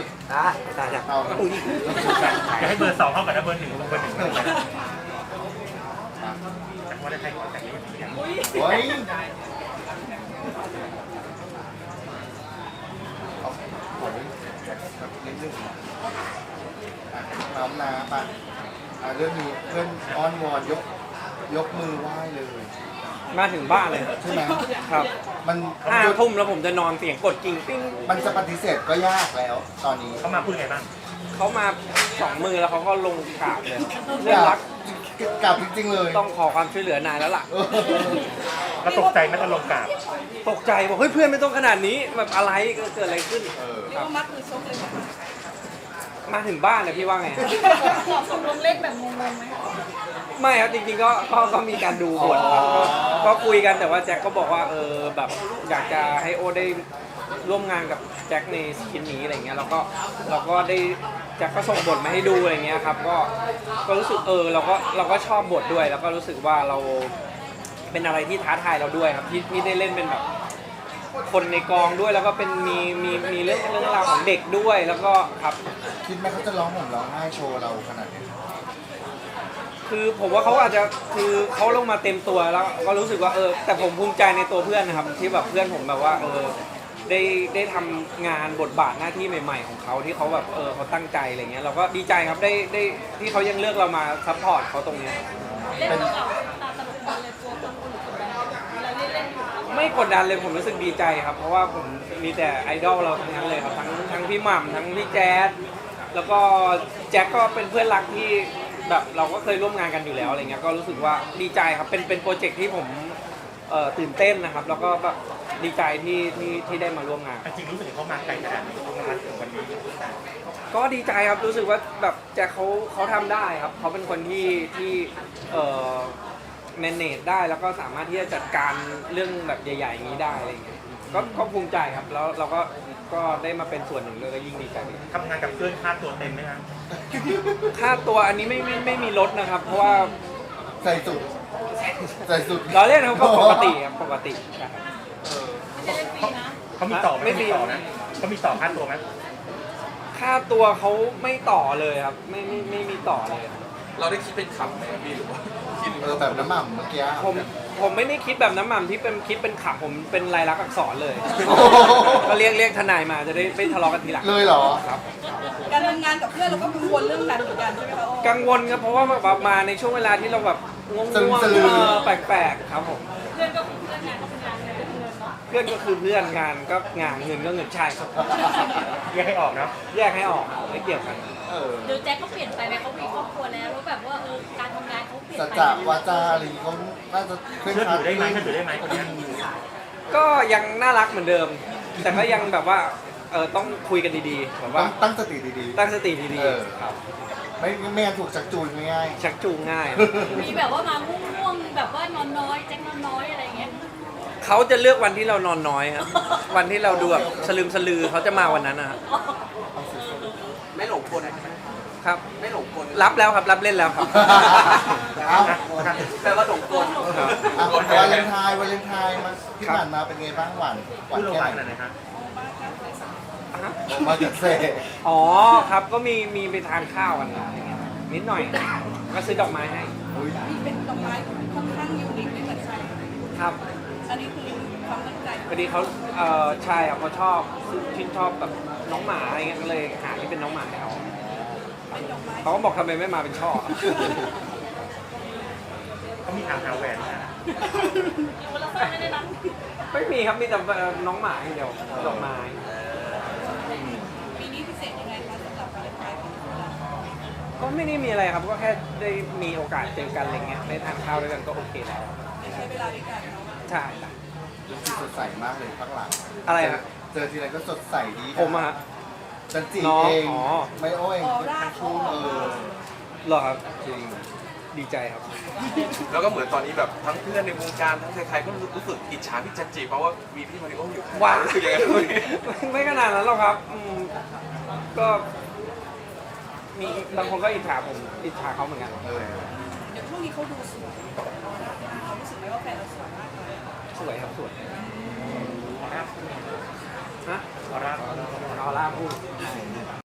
ได้เอาอุ้ยจะให้เบอร์2เข้ากับเบอร์1เบอร์1เลยแต่ว่าได้ใครแต่นี้อย่างโอ้ยเอาโอ้ยแบบนิดนึงน้ำน้ำปะเรื่องนี้เพื่อนอ้อนวอนยกมือไหว้เลยมาถึงบ้านเลยใช่ไหมครับมัน 5 ทุ่มแล้วผมจะนอนเสียงกดกิ่งปิ้งมันจะปฏิเสธก็ยากแล้วตอนนี้เขามาพูดไงบ้างเขามา2 มือแล้วเขาก็ลงกราบเลยเรื่องรักกลับจริงๆเลยต้องขอความช่วยเหลือนายแล้วล่ะเออเราตกใจไหมตอนลงกราบตกใจบอกเฮ้ยเพื่อนไม่ต้องขนาดนี้แบบอะไรเกิดอะไรขึ้นเออเรียกว่ามัดมือชกเลยค่ะมาถึงบ้านเลยพี่ว่าไงตกลงเล่นแบบงงๆไหมคะไม่ครับจริงๆก็มีการดูบทครับก็คุยกันแต่ว่าแจ็คก็บอกว่าแบบอยากจะให้โอได้ร่วมงานกับแจ็คในชิ้นนี้อะไรเงี้ยเราก็ได้แจ็คก็ส่งบทมาให้ดูอะไรเงี้ยครับก็รู้สึกเราก็ชอบบทด้วย แล้วก็รู้สึกว่าเราเป็นอะไรที่ท้าทายเราด้วยครับที่ได้เล่นเป็นแบบคนในกองด้วยแล้วก็เป็นมีเรื่องราวของเด็กด้วยแล้วก็ครับคิดไหมเขาจะร้องห่มร้องไห้โชว์เราขนาดนี้คือผมว่าเขาอาจจะคือเขาลงมาเต็มตัวแล้วก็รู้สึกว่าแต่ผมภูมิใจในตัวเพื่อนนะครับที่แบบเพื่อนผมแบบว่าได้ทำงานบทบาทหน้าที่ใหม่ๆของเขาที่เขาแบบเขาตั้งใจอะไรเงี้ยเราก็ดีใจครับได้ที่เขายังเลือกเรามาซัพพอร์ตเขาตรงเนี้ยเล่นเราตาตลกเลยกลัวคนอื่นกดดันเวลาเล่นๆไม่กดดันเลยผมรู้สึกดีใจครับ เพราะว่าผมมีแต่ไอดอลเราทั้งนั้นเลยครับทั้งพี่หม่ำทั้งพี่แจ๊ดแล้วก็แจ็คก็เป็นเพื่อนรักที่แบบเราก็เคยร่วมงานกันอยู่แล้วอะไรเงี้ยก็รู้สึกว่าดีใจครับเป็นโปรเจกต์ที่ผมตื่นเต้นนะครับ แล้วก็แบบดีใจที่ได้มาร่วมงานจริงๆรู้สึกเขามาไกลขนาดนี้มาถึงวันนี้ก็ดีใจครับรู้สึกว่าแบบแจ็คเขาทำได้ครับเขาเป็นคนที่manage ได้แล้วก็สามารถที่จะจัดการเรื่องแบบใหญ่ๆอย่างนี้ได้อะไรเงี้ยก็ภูมิใจครับแล้วเราก็ได้มาเป็นส่วนหนึ่งเลยก็ยิ่งดีใจทำงานกับเพื่อนค่าตัวเต็มไหมครับค่าตัวอันนี้ไม่มีลดนะครับ เพราะว่าใส่สุดใส่สุดเราเล่นเขาก็ปกติครับปกติครับไม่ได้เล่นฟรีนะเขามีต่อไหมเขามีต่อนะเขามีต่อค่าตัวไหมค่าตัวเขาไม่ต่อเลยครับไม่มีต่อเลยครับเราได้คิดเป็นคำไหมพี่หรือว่าคิดแบบน้ำหม่ำเมื่อกี้ผมไม่ได้คิดแบบน้ำหม่ำที่เป็นคิดเป็นขำผมเป็นลายลักษณ์อักษรเลยโอ้โหก็เรียกทนายมาจะได้ไม่ทะเลาะกันทีหลังเลยเหรอครับการทำงานกับเพื่อนเราก็กังวลเรื่องนั้นเหมือนกันใช่ไหมคะโอ้กังวลครับเพราะว่าแบบมาในช่วงเวลาที่เราแบบง่วงสลืมๆแปลกๆครับผมเพื่อนก็คือเพื่อนงานก็เป็นงานเงินก็คือเงินเนาะเพื่อนก็คือเพื่อนงานก็งานเงินก็เงินใช่ครับแยกให้ออกนะแยกให้ออกไม่เกี่ยวกันเออเดี๋ยวแจ็คเขาเปลี่ยนไปไหมเขามีครอบครัวแล้วแล้วแบบว่าการทำงานเขาเปลี่ยนสัจไปจะวาจาอะไรเขาน่าจะเคร่งเชื่อครัถืดอได้ไหมเชื่อถือได้ไหมคนนี้ก็ยังน่ารักเหมือนเดิม แต่ก็ยังแบบว่าต้องคุยกันดีๆแบบต้ว่าองตั้งสติดีตั้งสติดีเออๆครับๆไม่งั้นถูกชักจูงง่ายชักจูงง่ายมีแบบว่ามาง่วงๆแบบว่านอนน้อยแจ็คนอนน้อยอะไรเงี้ยเขาจะเลือกวันที่เรานอนน้อยครับวันที่เราดูแบบสลืมสลือเขาจะมาวันนั้นนะครับไม่หลงกลครับไม่หลงกลรับแล้วครับรับเล่นแล้วครับๆ เอ้าแปลว่าหลงกลครับอ่ะวาเลนไทน์มาที่ผ่านมาเป็นไงบ้างหวานพูดลงแค่ไปไหขนนาดไหนครับมาจากเซ่อ๋อครับก็มีไปทานข้าวกันอะไรเงี้ยนิดหน่อยก็ซื้อดอกไม้ให้อุ๊ยนี่เป็นดอกไม้ค่อนข้างยูนิคไม่เหมือนใครครับอันนี้คือความตั้งใจพอดีเขาใช่ครับเขาชอบชื่นชอบแบบน้องหมาอะไรเงี้ยก็เลยหาที่เป็นน้องหมาให้เขาเป็นดอกไม้เขาก็บอกทำไมไม่มาเป็นช่อเขามีทางหาแหวนนะคนละคนไม่ได้รับไม่มีครับมีแต่น้องหมาอย่างเดียวดอกไม้ปีนี้พิเศษยังไงคะสำหรับวาเลนไทน์ของเราก็ไม่ได้มีอะไรครับก็แค่ได้มีโอกาสเจอกันอะไรเงี้ยได้ทานข้าวด้วยกันก็โอเคแล้วได้ใช้เวลาด้วยกันเนาะใช่ครับดูสดใสมากเลยข้างหลังอะไรฮะเจอทีไรก็สดใสดีนผมอะฮะจันจีน้องเองอ๋อไม่โอ้ยทั้งคู่เหรอครับจริงดีใจครับแล้วก็เหมือนตอนนี้แบบทั้งเพื่อนในวงการทั้งใครๆก็รู้สึกอิจฉาพี่จันจีเพราะว่ามีพี่มาริโออยู่ข้างว้ารู้สึกยังไงบ้างไม่ขนาดนั้นหรอกครับก็มีบางคนก็อิจฉาผมอิจฉาเขาเหมือนกันเออเดี๋ยวช่วงนี้เขาดูสวยเขารู้สึกไหมว่าแฟนเราสวยมากเลยสวยครับสวยฮะออร่าออร่าพูด